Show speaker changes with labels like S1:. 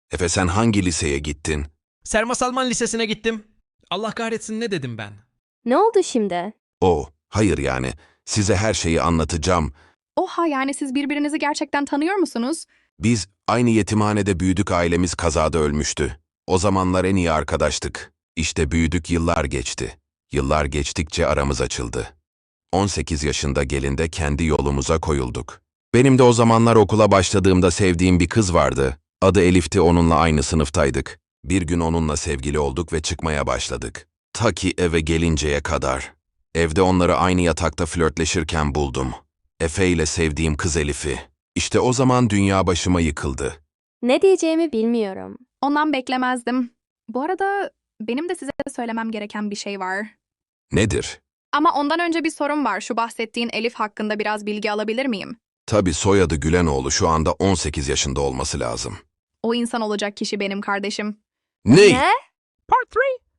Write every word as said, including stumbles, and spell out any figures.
S1: Efe sen hangi liseye gittin?
S2: Serma Salman Lisesi'ne gittim. Allah kahretsin ne dedim ben?
S3: Ne oldu şimdi?
S1: O, hayır yani. Size her şeyi anlatacağım.
S4: Oha, yani siz birbirinizi gerçekten tanıyor musunuz?
S1: Biz aynı yetimhanede büyüdük, ailemiz kazada ölmüştü. O zamanlar en iyi arkadaştık. İşte büyüdük, yıllar geçti. Yıllar geçtikçe aramız açıldı. on sekiz yaşında gelinde kendi yolumuza koyulduk. Benim de o zamanlar okula başladığımda sevdiğim bir kız vardı. Adı Elif'ti, onunla aynı sınıftaydık. Bir gün onunla sevgili olduk ve çıkmaya başladık. Ta ki eve gelinceye kadar. Evde onları aynı yatakta flörtleşirken buldum. Efe ile sevdiğim kız Elif'i. İşte o zaman dünya başıma yıkıldı.
S3: Ne diyeceğimi bilmiyorum.
S4: Ondan beklemezdim. Bu arada benim de size söylemem gereken bir şey var.
S1: Nedir?
S4: Ama ondan önce bir sorun var. Şu bahsettiğin Elif hakkında biraz bilgi alabilir miyim?
S1: Tabii soyadı Gülenoğlu, şu anda on sekiz yaşında olması lazım.
S4: O insan olacak kişi benim kardeşim.
S1: Ne?
S3: Ne?
S2: Part three.